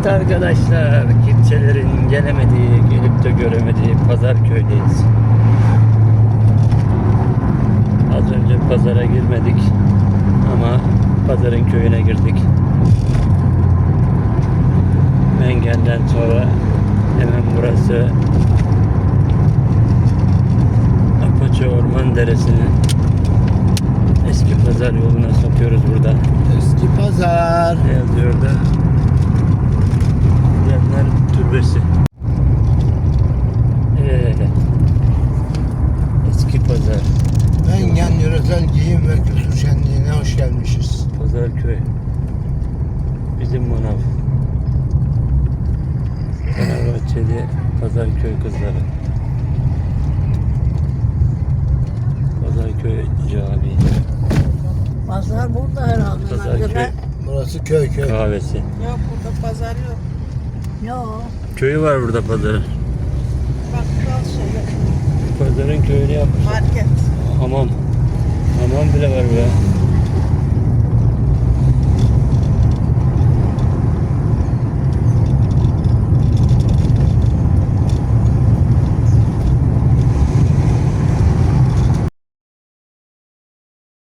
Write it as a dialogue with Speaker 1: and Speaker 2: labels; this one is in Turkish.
Speaker 1: Evet arkadaşlar, kimselerin gelemediği, gelip de göremediği Pazarköy'deyiz. Az önce pazara girmedik ama pazarın köyüne girdik. Mengen'den sonra hemen burası Apaçı Orman Deresi'nin eski pazar yoluna sokuyoruz burada.
Speaker 2: Eski pazar.
Speaker 1: Ne yazıyor da? Diyenler Türbesi. Eski pazar.
Speaker 2: Mengen Yöresel Giyim ve Kültür Şenliği'ne hoş gelmişiz.
Speaker 1: Pazarköy. Bizim manav. Fenerbahçeli Pazarköy kızları. Pazarköy Camii.
Speaker 3: Pazar burada herhalde.
Speaker 1: Pazarköy
Speaker 2: Burası köy.
Speaker 1: kahvesi.
Speaker 4: Yok burada pazar yok.
Speaker 3: Yok.
Speaker 1: Köyü var burada pazarın.
Speaker 4: Bakkal şeyler.
Speaker 1: Pazarın köyünü yapmış.
Speaker 4: Market.
Speaker 1: Hamam. Hamam bile var be.